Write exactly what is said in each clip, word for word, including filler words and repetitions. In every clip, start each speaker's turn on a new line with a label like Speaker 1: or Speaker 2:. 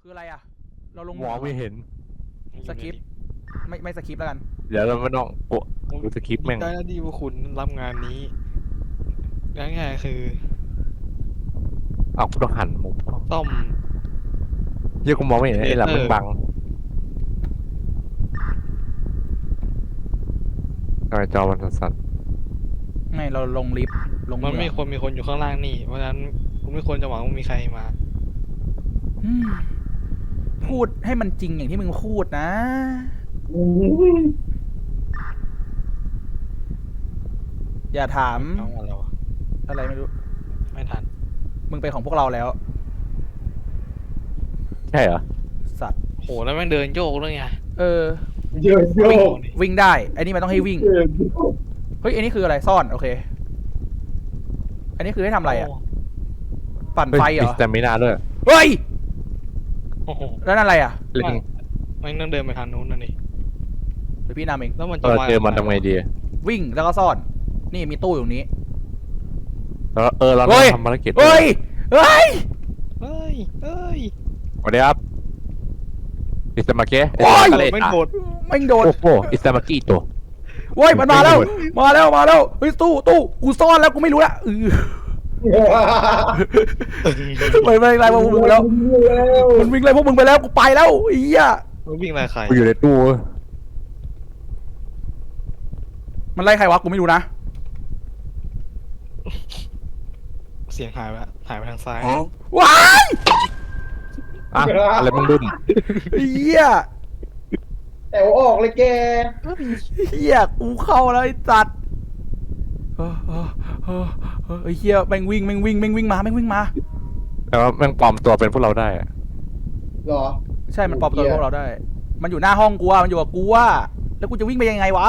Speaker 1: คืออะไรอ่ะเราลง
Speaker 2: มองไม่เห็น
Speaker 1: สคริปต์ไม่ไม่สคริปต์แล้วกัน
Speaker 2: เดี๋ยวเราไม่ต้องโอ้ดูสคริปต์แม่ง
Speaker 3: ได้แล้วดีว่าคุณรับงานนี้ง่ายๆคือ
Speaker 2: เอากูต้องหันมุมกล้อง
Speaker 3: ต้อม
Speaker 2: เหี้ยกูมองไม่เห็นไอ้หลังมันบังทำไมจอมันสั่น
Speaker 1: ไม่เราลงลิฟต์ลง
Speaker 3: มันไม่
Speaker 1: เอง
Speaker 3: ควรมีคนอยู่ข้างล่างนี่เพราะฉะนั้นคุณไม่ควรจะหวังว่ามีใครมา
Speaker 1: อืมพูดให้มันจริงอย่างที่มึงพูดนะอย่าถาม
Speaker 3: เอาอะไรวะ
Speaker 1: อะไรไม่รู้
Speaker 3: ไม่ทัน
Speaker 1: มึงเป็นของพวกเราแล้ว
Speaker 2: ๆใช่เหรอ
Speaker 1: สัตว์
Speaker 3: โหแล้วแม่งเดินโยกด้วยไง
Speaker 1: เออ
Speaker 4: เยอะโย
Speaker 1: วิ่ง
Speaker 4: ก
Speaker 1: วิ่งได้ไอ้นี่มันต้องให้วิ่ง
Speaker 4: เยอะโยก
Speaker 1: เฮ้ยอันนี้คืออะไรซ่อนโอเค อันนี้คือให้ทำอะไรอ่ะ ปั่นไฟเหร
Speaker 2: มี
Speaker 1: อ
Speaker 2: สเตมินาด้วย
Speaker 1: เฮ้ย
Speaker 3: โอ้โห
Speaker 1: แล้วนั่นอะไรอ่ะ
Speaker 2: เล่น
Speaker 3: แม่งต้องเดินไปทางนู้นนั่นนี่
Speaker 1: เดี๋ยวพี่นำเอง
Speaker 3: แล้วมัน
Speaker 2: เอ
Speaker 3: จะ
Speaker 2: อ
Speaker 3: มา
Speaker 2: เจอมันทำไงดี
Speaker 1: วิ่งแล้วก็ซ่อน นี่มีตู้อยู่ตรงนี้
Speaker 2: แล้วเออเรา
Speaker 1: เฮ้
Speaker 2: ต้อง
Speaker 1: ย
Speaker 2: ทำภารกิจ
Speaker 1: เฮ้ยเฮ้ย
Speaker 3: เฮ้ยเฮ้ย
Speaker 2: สวัสดีครับอิสมาเกะ
Speaker 1: โอ้ย
Speaker 2: อิสมาเกะ
Speaker 3: ไม่โดด
Speaker 1: ไม่งโดน
Speaker 2: โอ้โหอิสมากิโต
Speaker 1: โว้ยมันมาแล้ว มาแล้วมาแล้วเฮ้ยตู้ตู้กูซ่อนแล้วกูไม่รู้ละเออมันไม่ไล่พวกมึงไปแล้วมันวิ่งไล่พวกมึงไปแล้วกูไปแล้วไอ้เหี้ย
Speaker 3: มันวิ่งไล่ใคร
Speaker 2: กูอยู่ในตู้
Speaker 1: มันไล่ใครวะกูไม่รู้นะ
Speaker 3: เสียงหายไปละหายไปทางซ้าย
Speaker 1: ว้าย
Speaker 2: อะอะไรมึงดุน
Speaker 1: ไอ้เหี้ย
Speaker 4: แต่ว่าออกเลยแก
Speaker 1: เหี้ยกูเข้าแล้วไอ้จัดเออเออเออเออไอ้เหี้ยแม่งวิ่งแม่งวิ่งแม่งวิ่งมาแม่งวิ่งมา
Speaker 2: แต่ว่าแม่งปลอมตัวเป็นพวกเราได้อะ
Speaker 4: เหรอ
Speaker 1: ใช่มันปลอมตัวพวกเราได้ มันอยู่หน้าห้องกูอะมันอยู่กับกูอะแล้วกูจะวิ่งไปยังไงวะ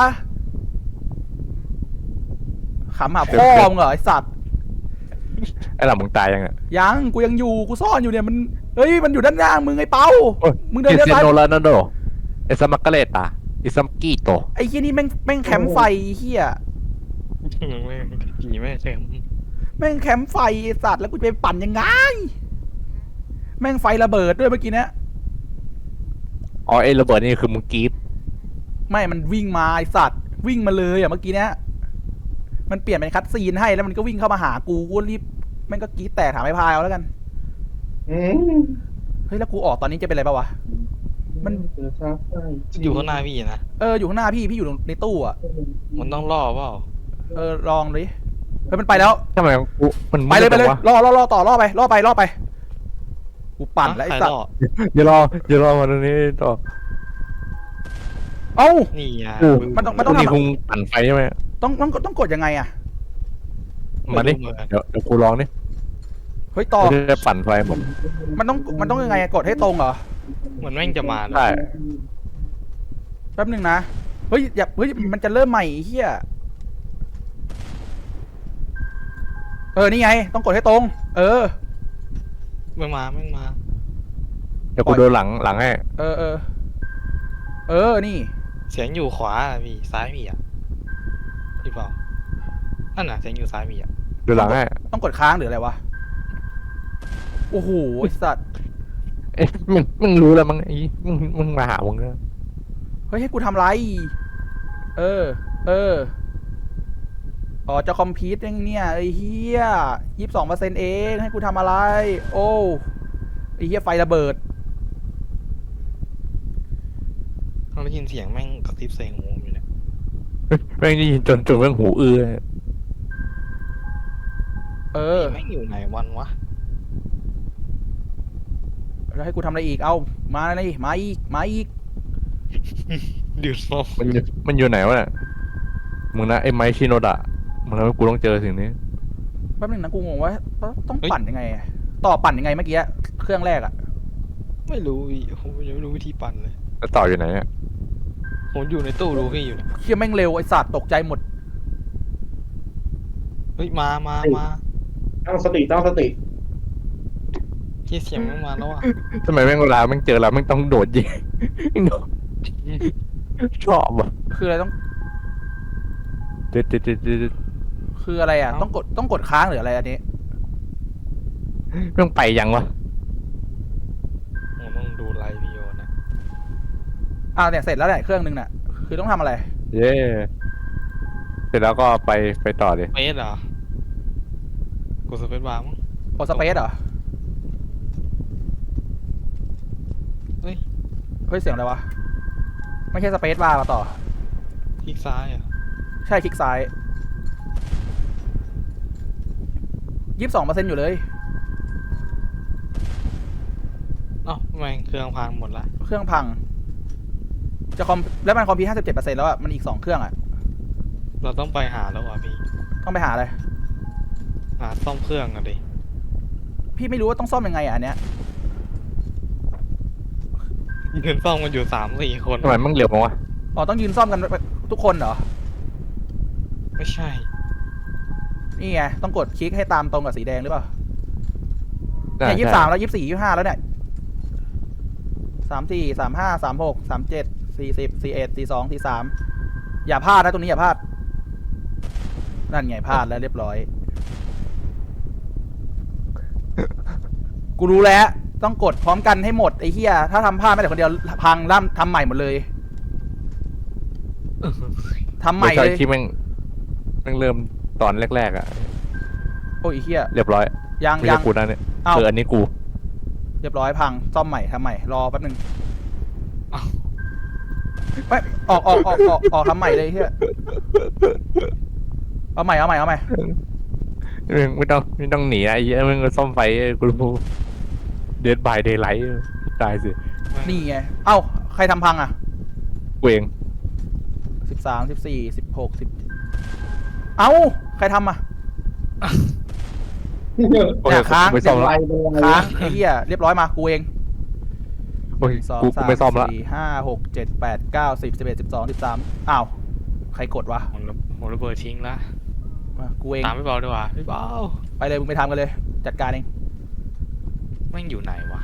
Speaker 1: ขำหาพ่อมึงเหรอไอสัตว์
Speaker 2: ไอ้หลังมึงตายยังอ่ะ
Speaker 1: ยังกูยังอยู่กูซ่อนอยู่เนี่ยมันเฮ้ยมันอยู่ด้านล่างมึงไอ้เปา
Speaker 2: โอ้ย
Speaker 1: มึงเดิน
Speaker 2: คริ
Speaker 1: เลี้ยว
Speaker 2: สเตีย
Speaker 1: ซ้าย
Speaker 2: โนโรนัลโดเอสมาเกเลตาอิสมากิโต
Speaker 1: ไอ้เฮียนี่แม่งแม่งแคมป์ไฟเฮีย
Speaker 3: แม่งผีแม่งเต็ม
Speaker 1: แม่งแคมป์ไฟไอ้สัตว์แล้วกูจะไปปั่นยังไงแม่งไฟระเบิดด้วยเมื่อกี้เนี้ย
Speaker 2: อ๋อไอ้ระเบิดนี่คือมึงกรีด
Speaker 1: ไม่มันวิ่งมาไอ้สัตว์วิ่งมาเลยอะเมื่อกี้เนี้ยมันเปลี่ยนเป็นคัตซีนให้แล้วมันก็วิ่งเข้ามาหากูกูรีบแม่งก็กรีดแตกถามไอ้พายเอาแล้วกัน
Speaker 4: อืม
Speaker 1: เฮ้ยแล้วกูออกตอนนี้จะเป็นอะไรปะวะ มัน
Speaker 4: เจอซาไฟ
Speaker 3: อยู่ข้างหน้าพี่นะ
Speaker 1: เอออยู่ข้างหน้าพี่พี่อยู่ในตู้อะ
Speaker 3: มันต้องล่อเปล่า
Speaker 1: เออลองดิเฮ้ยมันไปแล้ว
Speaker 2: ทำไมกูมัน
Speaker 1: ไปเลยไปเลย
Speaker 2: วะ
Speaker 1: ล่อล่อล่อต่อล่อไปล่อไปล่อไปกูปั่นแล้วไอ้
Speaker 3: ใคร
Speaker 1: สัต
Speaker 3: ล่
Speaker 1: ว์
Speaker 3: อ
Speaker 2: อย่ารออย่ารอมาตรงนี้ต่อ
Speaker 1: เอ้า
Speaker 3: นี่ไง
Speaker 2: กู
Speaker 1: มันต้องมันต้องทำ
Speaker 2: นี่คงปั่นไฟใช่ไหม
Speaker 1: ต้องต้องต้องกดยังไงอะ
Speaker 2: มาดิ
Speaker 3: ไรู้เหอนกัน
Speaker 2: เดี๋ยวเดี๋ยวกูลองดิ
Speaker 1: เฮ้ยต่อ
Speaker 2: จะปั่นไฟหมด
Speaker 1: มันต้องมันต้องยังไงอะกดให้ตรงเหรอ
Speaker 3: เหมือนแม่งจะมานะ
Speaker 2: ได้
Speaker 1: แป๊บหนึงนะเฮ้ยอย่าเฮ้ยมันจะเริ่มใหม่ไอ้เฮียเออนี่ไงต้องกดให้ตรง เออ
Speaker 3: แม่งมาแม่งมา
Speaker 2: เดี๋ยวกูโดนหลังหลังให้
Speaker 1: เออเออเออนี่
Speaker 3: เสียงอยู่ขวาอะพี่ซ้ายพี่อ่ะหรือเปล่านั่นน่ะเสียงอยู่ซ้ายพี่อ่ะ
Speaker 2: โดนหลังให้
Speaker 1: ต้องกดค้างหรืออะไรวะโอ้โหไอ้สัตว์
Speaker 2: เอ๊ะมึงมึงรู้แล้วมั้งไอ้มึงมึงมาหามึงนะ
Speaker 1: เฮ้ยให้กูทำไร เออ เอออ๋อจะคอมพิวต์ยังเนี่ยไอ้เฮียยี่สิบสองเปอร์เซ็นต์เองให้กูทำอะไร โอ้ไอ้เฮียไฟระเบิด
Speaker 3: ต้องได้ยินเสียงแม่งกระซิบใส่หูผมอยู่เนี่ย
Speaker 2: แม่งได้ยินจนจนแม่งหูอื้อ
Speaker 1: เออ
Speaker 3: แม่งอยู่ไหนวันวะ
Speaker 1: แล้วให้กูทำอะไรอีก เอามาเลยมาอีก มาอีก
Speaker 3: ดูดลม
Speaker 2: มันอยู่มันอยู่ไหนวะเนี่ยมึงนะไอ้ไมค์ชิโนดะมึงทำให้กูต้องเจอสิ่งนี้
Speaker 1: แป๊บนึงนะกูงงว่าต้องปั่นยังไงอะต่อปั่นยังไงเมื่อกี้เครื่องแรกอะ
Speaker 3: ไม่รู้พี่ผมยังไม่รู้วิธีปั่นเลย
Speaker 2: แล้วต่ออยู่ไหนอ่ะ
Speaker 3: ผมอยู่ในตู้ดูพี่อยู่เนี่ย
Speaker 1: เฮียแม่งเร็วไอ้สัตว์ตกใจหมด
Speaker 3: เฮ้ยมามามา
Speaker 4: ตั้งสติตั้งสติ
Speaker 3: ที่เสียงแม่งมาแล้วอ่ะ
Speaker 2: ทำไมแม่งเวลาแม่งเจอเราแม่งต้องโดดยิงโดดชอบอ่ะ
Speaker 1: คืออะไรต้อง
Speaker 2: เด็ดเด็ดเด็ดเด็ด
Speaker 1: คืออะไรอะต้องกดต้องกดค้างหรืออะไรอันนี้
Speaker 2: แม่งไปยังวะ
Speaker 3: ผมต้อง
Speaker 1: อ่าเนี่ยเสร็จแล้วเนี่ยเครื่องนึงน่ะคือต้องทำอะไร
Speaker 2: เย้เสร็จแล้วก็ไปไปต่อดิ
Speaker 3: เฟสเหรอกดสเปซบาร์มั้ง
Speaker 1: โอสเปซเหรอ
Speaker 3: เฮ้ย
Speaker 1: เฮ้ยเสียงอะไรวะไม่ใช่สเปซบาร์มาต่อ
Speaker 3: คลิกซ้ายอ่ะ
Speaker 1: ใช่คลิกซ้ายยี่สิบสองเปอร์เซ็นต์อยู่เลย
Speaker 3: เอ้าทำไมเครื่องพังหมดละ
Speaker 1: เครื่องพัง จะคอมแล้วมันคอมพิวห้าสิบเจ็ดเปอร์เซ็นต์แล้วอ่ะมันอีกสองเครื่องอ่ะ
Speaker 3: เราต้องไปหาแล้วอ่ะพี่
Speaker 1: ต้องไปหาอะไร
Speaker 3: หาซ่อมเครื่องกันดิ
Speaker 1: พี่ไม่รู้ว่าต้องซ่อมยังไงอ่ะอันเนี้ย
Speaker 3: เงินซ่อมกันอยู่สามสี่คน
Speaker 2: ทำไมมึงเร็วมั้งวะ
Speaker 1: อ๋อต้องยืนซ่อมกันทุกคนเหรอ
Speaker 3: ไม่ใช่
Speaker 1: นี่ไงต้องกดคลิกให้ตามตรงกับสีแดงหรือเปล่า
Speaker 2: น่า
Speaker 1: เนี่ยยี่สิบ
Speaker 2: ใช่
Speaker 1: สามแล้วยี่สิบสี่ยี่สิบห้าแล้วเนี่ยสามสี่สามห้าสามหกสามเจ็ดสี่สิบสี่เอ็ดสี่สองสี่สามอย่าพลาดนะตรงนี้อย่าพลาดนั่นไงพลาดแล้วเรียบร้อย กูรู้แล้วต้องกดพร้อมกันให้หมดไอ้เหี้ยถ้าทำพลาดไม่แต่คนเดียวพังล่ำทำใหม่หมดเลยทำใหม่
Speaker 2: ไม่ใช่
Speaker 1: เลย
Speaker 2: ที่แม่งแม่งเริ่มตอนแรกๆอ่ะ
Speaker 1: โอ้ยไอ้เหี้ย
Speaker 2: เรียบร้อย
Speaker 1: ยัง
Speaker 2: ไม่
Speaker 1: ยั
Speaker 2: ใช่
Speaker 1: ง
Speaker 2: กูนะเนี่ย
Speaker 1: เอ้า
Speaker 2: คืออันนี้กู
Speaker 1: เรียบร้อยพังซ่อมใหม่ทำใหม่รอแป๊บนึง
Speaker 3: เอ้า
Speaker 1: ไม่ออกออกออกออกออกทำใหม่เลยเฮียเอาใหม่เอาใหม่เอาใหม่
Speaker 2: มึงไม่ต้องไม่ต้องหนีนะไอ้เหี้ยมึงก็ซ่อมไฟเออกูรู้เดดบายเดย์ไลท์ตายสิ
Speaker 1: นี่ไงเอ้าใครทำพังอ่ะ
Speaker 2: กูเอง
Speaker 1: สิบสามสิบสี่สิบหกสิบเอ้าใครทำอ่ะ
Speaker 2: โอเค
Speaker 1: เนี่ยค้าง
Speaker 2: กูไม่ซ่อม
Speaker 4: ไป
Speaker 2: ละ
Speaker 4: เลย
Speaker 1: ค้างไอ้เหี้ยเรียบร้อยมากูเอง
Speaker 2: โอ้ย
Speaker 1: สอง
Speaker 2: กู
Speaker 1: สา
Speaker 2: กู
Speaker 1: ม
Speaker 2: ไม่ซ่อมละ
Speaker 1: สี่ห้าหกเจ็ดแปดเก้าสิบสิบเอ็ดสิบสองสิบสามอ้าวใครกดวะ
Speaker 3: ผมระผมระเบิดทิ้งละ
Speaker 1: มากูเอง
Speaker 3: ตามพี่เบาดีกว่าพี่เบา
Speaker 1: ไปเลยมึงไปทำกันเลย จัดการเอง
Speaker 3: แม่งอยู่ไหนวะ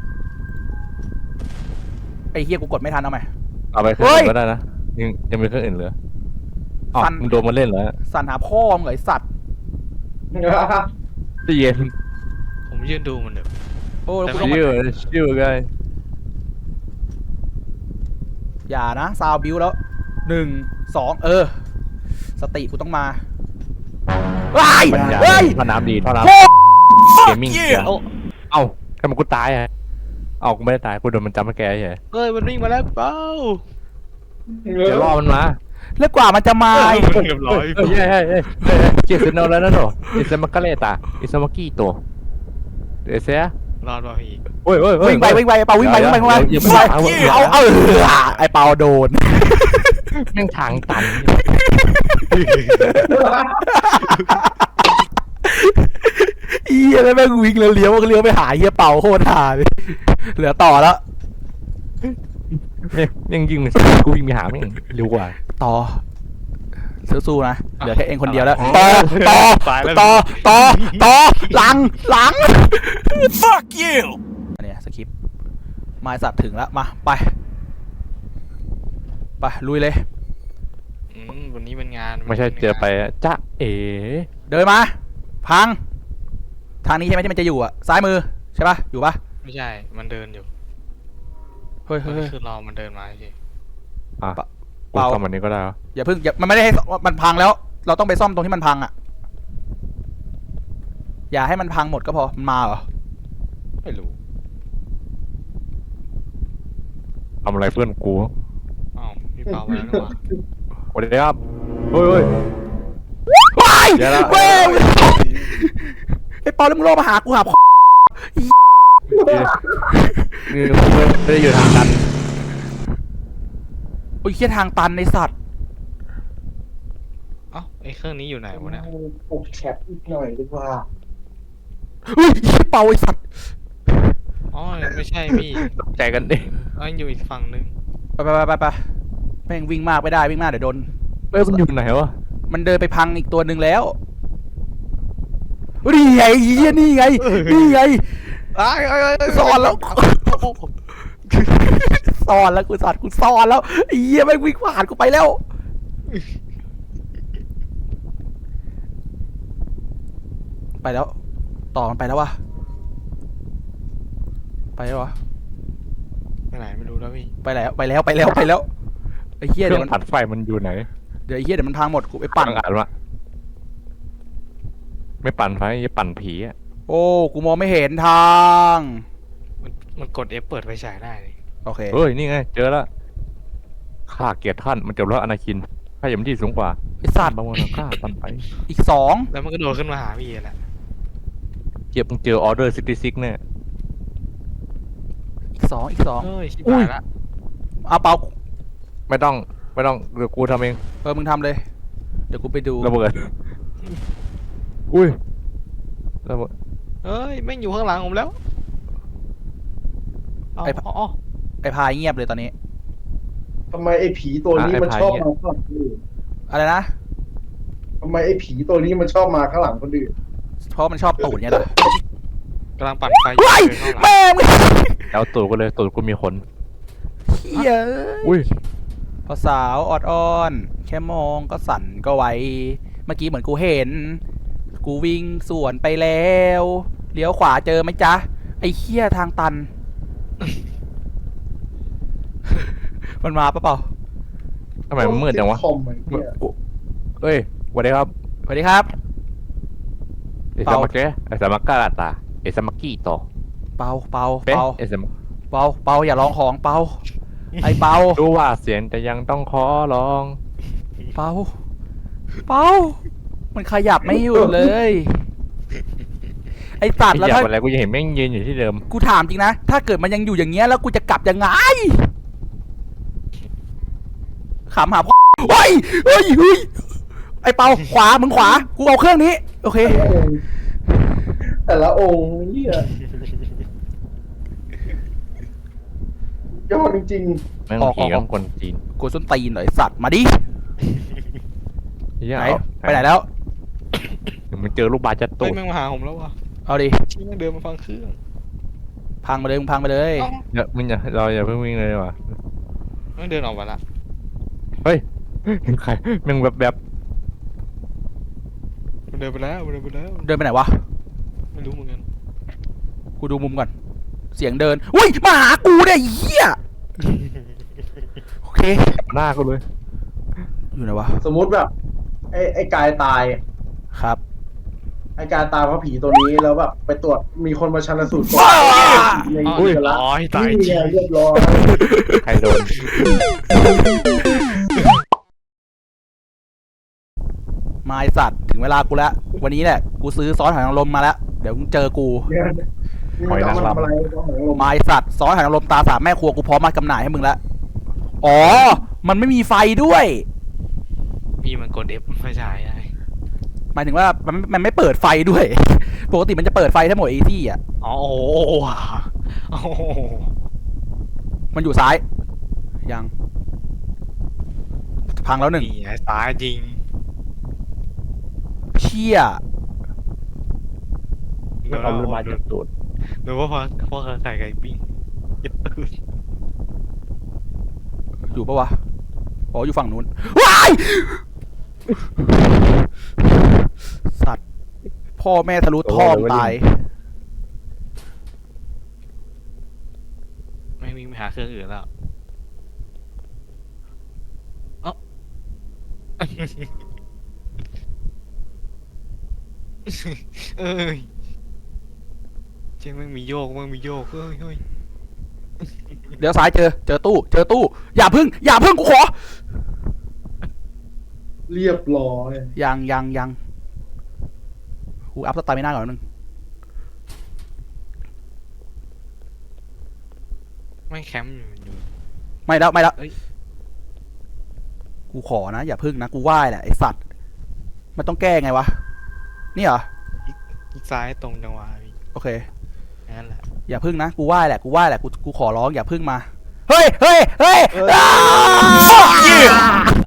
Speaker 1: ไอ้เหี้ยกูกดไม่ทันเอาใหม่
Speaker 2: เอาไปเครื่องอื่นก็ได้นะยังยังมีเครื่องอื่นเหลืออ๋อ
Speaker 1: ฟัน
Speaker 2: มึงโดนมันเล่นเหรอ
Speaker 1: สั่นหาพ่อมึงเหรอไอ้สัตว์
Speaker 2: จะเย็น
Speaker 3: ผมยืนดูมันเดี๋ยว
Speaker 1: โอ้แล้วกูต้อง
Speaker 2: ชิ
Speaker 1: มาว
Speaker 2: ชิวไง
Speaker 1: อย่านะซาวบิวแล้วหนึ่งสองเออ สติกูต้องมาว้าย
Speaker 2: ปัญญา
Speaker 1: เฮ้ย
Speaker 2: ท่อน้ำดีท่อน้
Speaker 1: โคตร
Speaker 2: ำเกมมิ่ง
Speaker 3: เอ้า
Speaker 2: เอ้าทำไมกูตายอ่ะเอ้ากูไม่ได้ตายกูโดนมันจำมาแกเฉย
Speaker 3: เฮ้ยมันวิ่งมาแล้วพี่เบา
Speaker 2: เดี๋ยวรอมันมา
Speaker 1: แล้วกว่ามันจะมา
Speaker 3: เฮ้
Speaker 1: ไอ้
Speaker 3: ยมันเรียบร้อย
Speaker 2: เฮ้ยเฮ้ยเฮ้ยเฮ้ยเจสันโนแล้วนะหนูอิสมาคาเลตาอิสมากี้ตัวเดี๋ยวเสีย
Speaker 3: รอดว่ะพี่
Speaker 2: โอ้ยโอ้ยโอ้ย
Speaker 1: วิ่งไปวิ่งไปไอ้เปาวิ่งไปวิ่งไปวิ่งไป
Speaker 2: อย่า
Speaker 1: วิ่ง
Speaker 2: ไป
Speaker 1: ไป
Speaker 2: อย่า
Speaker 1: เอาเอาเออไอ้เปาโดน
Speaker 2: แม่งทางตัน
Speaker 1: อียแล้วแม่งวิ่งแล้วเลี้ยวเลี้ยวไปหาเฮียเปาโคตรหาเลยเหลือต่อแล้ว
Speaker 2: ยังยิงมันกูวิ่งไปหาแม่งเร็วกว่า
Speaker 1: ต่อสู้ๆนะเหลือแค่เองคนเดียวแล้วต่อต่อ
Speaker 3: ตายแล้ว
Speaker 1: ต่อต่อต่อหลังหลัง fuck you อันเนี้ยสคริปต์ไม้สัตว์ถึงแล้วมาไปไปลุยเลย
Speaker 3: อืมวันนี้เป็นงาน
Speaker 2: ไม่ใช่เจอไปจ้าเอ๋
Speaker 1: เดินมาพังทางนี้ใช่ไหมที่มันจะอยู่อ่ะซ้ายมือใช่ปะอยู่ปะ
Speaker 3: ไม่ใช่มันเดินอยู่
Speaker 1: เฮ้ย
Speaker 3: มั
Speaker 1: เฮ้ย
Speaker 3: น
Speaker 1: เฮ้ย
Speaker 3: คือรอมันเดินมาใช่
Speaker 2: อ่ะ
Speaker 1: เปล่า
Speaker 2: กูทำแบบนี้ก็ได้เหรอ
Speaker 1: อย่าเพิ่งอย่ามันไม่ได้ให้มันพังแล้ว เราต้องไปซ่อมตรงที่มันพังอ่ะ อย่าให้มันพังหมดก็พอมันมาเหรอ
Speaker 3: ไม่รู้
Speaker 2: ทำอะไรเพื่อนกู
Speaker 3: อ้าวพี่เปาไปแล้วนี่หว่า
Speaker 2: สวัสดีครับเฮ้ยเฮ้ย
Speaker 1: ว้าย
Speaker 2: เดี๋ยวนะ
Speaker 1: เว้ยไอ้ปอแล้วมึงรอมาหากูหาพ่อ
Speaker 2: นี่กูไม่ได้อยู่ทางกัน
Speaker 1: โอ้ยเคียทางตันในสัตว์
Speaker 3: เอ้าไอ้เครื่องนี้อยู่ไหนวะเนี่ย
Speaker 4: ปกแคปอีกหน่อยดีกว่า
Speaker 1: เฮ้ยไอ้เปาไอ้สัตว์
Speaker 3: อ๋อไม่ใช่พี่
Speaker 2: ตกใจกันดิ
Speaker 3: เอ้ยอยู่อีกฝั่งนึง
Speaker 1: ไปไปไปไปไปแม่งวิ่งมากไม่ได้วิ่งมากเดี๋ยวโดน
Speaker 2: เอ้ยมันอยู่ไหนวะ
Speaker 1: มันเดินไปพังอีกตัวหนึ่งแล้วนี่ไงเฮียนี่ไง นี่ไง ซ่อนแล้ว ซ่อนแล้วกูสัตว์กูซ่อนแล้วไอ้เหี้ยแม่งวิ่งผ่านกูไปแล้ว ไปแล้ว ต่อมันไปแล้ววะไปแล้ววะ
Speaker 3: ไปไหนไม่รู้แล้วพี่
Speaker 1: ไปแล้วไปแล้วไปแล้วไปแล้วไอ้เหี้ย
Speaker 2: เครื่
Speaker 1: เดี๋
Speaker 2: อ
Speaker 1: ยวมัน
Speaker 2: งผัดไฟมันอยู่ไหน
Speaker 1: เดี๋ยวไอ้เหี้ยเดี๋ยวมันพังหมดกูไปปั่น
Speaker 2: ต้องอ่านว่าไม่ปั่นไฟจะปั่นผีอ่ะ
Speaker 1: โอ้กูมองไม่เห็นทาง
Speaker 3: มันมันกด F เปิดไฟฉายได้เลย
Speaker 1: โอเค
Speaker 2: เฮ้ยนี่ไงเจอแล้วข้าเกียรติท่านมันจบแล้วอนาคินข้าอย่างที่สูงกว่า
Speaker 1: ไอ้สัตว์
Speaker 2: บางวันข้าปั่นไป
Speaker 1: อีกสอง
Speaker 3: แล้วมันก็โดดขึ้นมาหาพี่แหละ
Speaker 2: เจ็บมึงเจอออเดอร์ซิตี้ซิกเนี่ย
Speaker 1: อีกสองอีกสอง
Speaker 3: เฮ้ยชิบ
Speaker 1: อุ้ย
Speaker 3: หายละ
Speaker 1: เอาเปล่า
Speaker 2: ไม่ต้องไม่ต้องเดี๋ยวกูทำเอง
Speaker 1: เออมึงทำเลย เดี๋ยวกูไปดู
Speaker 2: ระเบิดอุ้ยระเบิด
Speaker 3: เฮ้ยแม่งอยู่ข้างหลังผมแล้วเอาเอาเอา
Speaker 1: ไอ้พายเงียบเลยตอนนี้
Speaker 4: ทำไมไอ้ผีตัวนี้มันชอบมาข้างหลังคนอื่น
Speaker 1: อะไรนะ
Speaker 4: ทำไมไอ้ผีตัวนี้มันชอบมาข้างหลังคนอื่น
Speaker 1: เพราะมันชอบตูดเนี่ยแหละ
Speaker 3: กำลังปั่นไฟอยู่
Speaker 1: เฮ้ย
Speaker 3: เดินเข้าหลัง
Speaker 1: แม่ง
Speaker 2: แล้วตูดก็เลยตูดกูมีขน
Speaker 1: เหี้ย
Speaker 2: อุ้ย
Speaker 1: พอสาวออดอ้อน แค่มองก็สั่นก็ไหวเมื่อกี้เหมือนกูเห็น กูวิ่งสวนไปแล้วเลี้ยวขวาเจอไหมจ๊ะ ไอ้เหี้ยทางตัน มันมาปะเปล่า
Speaker 2: ทำไมมันมืดจังวะ
Speaker 4: คอมไอ้เหี้ย
Speaker 2: เอ้ยสวัสดีครับ
Speaker 1: สวัสดีครับ
Speaker 2: ไอ้
Speaker 1: เปา
Speaker 2: สมักเกะไอ้สมักกะลาตาไอ้สมักกี้ต่อ
Speaker 1: เปาเปา
Speaker 2: เป๊ะ
Speaker 1: เปา
Speaker 2: ไอ้สมัก
Speaker 1: เปาเปาอย่าลองของเปาไอ้เปา
Speaker 2: รู้ว่าเสียงแต่ยังต้องขอร้อง
Speaker 1: เปาเปามันขยับไม่อยู่เลย ไอ้สัตว์แล้ว
Speaker 2: อยาก
Speaker 1: ถ้า
Speaker 2: อะไรกูยังเห็นแม่งยืนอยู่ที่เดิม
Speaker 1: กูถามจริงนะ ถ้าเกิดมันยังอยู่อย่างเงี้ยแล้วกูจะกลับยังไงขำหาพ่อเฮ้ยเฮ้ยเฮ้ยไอ้เปาขวามึงขวา กูเอาเครื่องนี้ โอเค
Speaker 4: แต่ละองค์แต่ละองค์เนี่ยยอดจริง
Speaker 2: แม่ง
Speaker 1: ออก
Speaker 2: ผี
Speaker 1: อ
Speaker 2: กั
Speaker 1: อบ ก
Speaker 2: คนจีน
Speaker 1: กูส้นตีนเหรอไอ้สัตว์มาดิ
Speaker 2: เหี้ย
Speaker 1: ไหน
Speaker 2: เอา
Speaker 1: ไปไหนแล้ว
Speaker 2: เดี๋ยวมันเจอลูกบาสจะ
Speaker 3: เฮ้
Speaker 2: ตู
Speaker 3: ย
Speaker 2: ด
Speaker 3: แม่งมาหาผมแล้ววะ
Speaker 1: เอาดิ
Speaker 3: ชี้แม่งเดินมาฟังเครื่อง
Speaker 1: พังไปเลยมึงพังไปเลย
Speaker 3: เอ้า
Speaker 2: เดี๋ยวมึงอย่าเราอย่าเพิ่งวิ่งเลยดีกว่ะ
Speaker 3: แม่งเดินออกมาละ
Speaker 2: เฮ้ยใครแม่งแบบแบบ
Speaker 3: มันเดินไปแล้วมันเดินไปแล้ว
Speaker 1: เดินไปไหนวะ
Speaker 3: ไม่รู้เหมือนกัน
Speaker 1: กูดูมุมก่อน เสียงเดิน อุ้ยมาหากูเนี่ยไอ้เหี้ย โอเค
Speaker 2: หน้ากูเลย
Speaker 1: อยู่ไหนวะ
Speaker 4: ๆ สมมุติแบบ ไอ้ไอ้กายตาย
Speaker 1: ครับ
Speaker 4: ไอ้กายตายเพราะผีตัวนี้แล้วแบบไปตรวจมีคนมาชันสูตรก่อน
Speaker 1: ว้า
Speaker 4: ใน
Speaker 3: อ๋อ
Speaker 4: เดือนละ
Speaker 3: อ๋อตาย
Speaker 4: นี่
Speaker 3: จริ
Speaker 4: ไง
Speaker 3: ง
Speaker 4: เรียบร้อย
Speaker 2: ใครโดน
Speaker 1: มาไอสัตว์ถึงเวลากูแล้ว วันนี้แหละ กูซื้อซอสหอยนางรมมาแล้ว เดี๋ยวมึงเจอกู
Speaker 4: เนี่ยนี่มันต้องมาทำอะไรต้องหอยนางรม
Speaker 1: มาไอสัตว์ซอสหอยนางรมตาสามแม่ครัวกูพร้อมมาจำหน่ายให้มึงแล้ว อ๋อ มันไม่มีไฟด้วย
Speaker 3: พี่มันกด F ไฟฉายไง
Speaker 1: หมายถึงว่ามันมันไม่เปิดไฟด้วย ปกติมันจะเปิดไฟทั้งหมดไอ้ที่อ่ะ
Speaker 3: อ๋อโอ้โหโอ้โห
Speaker 1: มันอยู่ซ้าย ยัง พังแล้วหนึ่ง
Speaker 3: นี่ไงตายจริง
Speaker 1: เชี่ย
Speaker 3: เดี๋ยว
Speaker 2: เอาลูกบาสจะตูด
Speaker 3: เดี๋ยวว่าพอพอไข่ไก่ปิ้งยัดตื่น
Speaker 1: อยู่ปะวะ อ๋อ อยู่ฝั่งนู้น ว้าย สัตว์ พ่อแม่ทะลุท่อมตาย
Speaker 3: ไม่วิ่งไปหาเครื่องอื่นแล้วเอ้า เอ้ยเจ๊งมันมีโยกมันมีโยกเฮ้ยเฮ้ย
Speaker 1: เดี๋ยวซ้ายเจอ เจอตู้ เจอตู้ อย่าพึ่ง อย่าพึ่งกูขอ
Speaker 4: เรียบร้อย
Speaker 1: ยังยังยังกูอัพสไตล์ไม่น่าก่อนนึง
Speaker 3: ไม่แคมป์อยู่อยู่
Speaker 1: ไม่แล้วไม่แล้ว
Speaker 3: เอ้ย
Speaker 1: กูขอนะ อย่าพึ่งนะ กูไหว้แหละไอสัตว์ มันต้องแก้ไงวะ นี่เหรอ
Speaker 3: อีกซ้ายตรงจังหวะพี่
Speaker 1: โอเค
Speaker 3: นั่นแหละ
Speaker 1: อย่าพึ่งนะ กูไหว้แหละ กูไหว้แหละ กู กูขอร้องอย่าพึ่งมา เฮ้ย เฮ้ย เฮ้ย
Speaker 3: เอ้ย
Speaker 1: อ้า